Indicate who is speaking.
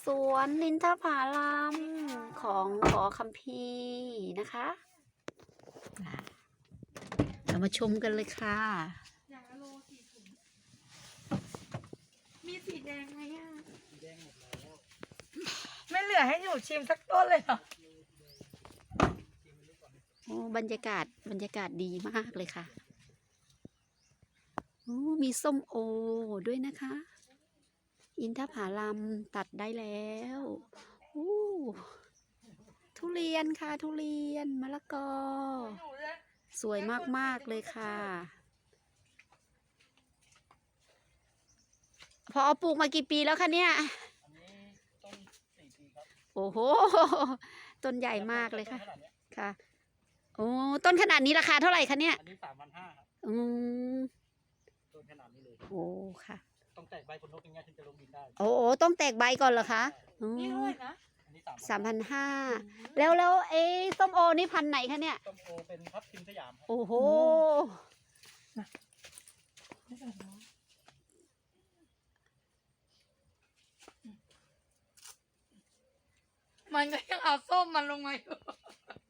Speaker 1: วนอินทผลัมของขอคัมภีร์นะคะเรามาชมกันเลยค่ะ
Speaker 2: อย่างละโล4 ถุงมีสีแดงไหมอ่ะแดงหมดแล้วไม่เหลือให้หนูชิมสักต้นเลยเหรอ
Speaker 1: โอ้บรรยากาศดีมากเลยค่ะโอ้มีส้มโอด้วยนะคะ อินทผลัมตัดได้แล้วโอ้ทุเรียนค่ะทุเรียนมะละกอ สวยมากๆเลยค่ะพอปลูกมากี่ปีแล้วคะเนี่ย
Speaker 3: อันนี้ต้น4 ปีครับ
Speaker 1: โอ้โหต้นใหญ่มากเลยค่ะค่ะโอ้ต้นขนาดนี้ราคาเท่าไหร่คะเนี่ย
Speaker 3: อันนี้3,500ครับ
Speaker 1: อืม
Speaker 3: ต้นขนาดนี้เลย
Speaker 1: โอ้ค่ะ
Speaker 3: ต้องแตกใบคนนกอย่างเงี้ยถึงจะลงดินได้
Speaker 1: โอ้ต้องแตกใบก่อนเหรอคะ
Speaker 2: นี่เท่าไหร่นะ
Speaker 3: อันนี้
Speaker 1: 3,500แล้วส้มโอนี่พันธุ์ไหนคะเนี่ย
Speaker 3: ส้มโอเป็นทับทิมสยามครับ
Speaker 1: โอ้โห
Speaker 2: มันก็ยังเอาส้มมันลงมาอยู่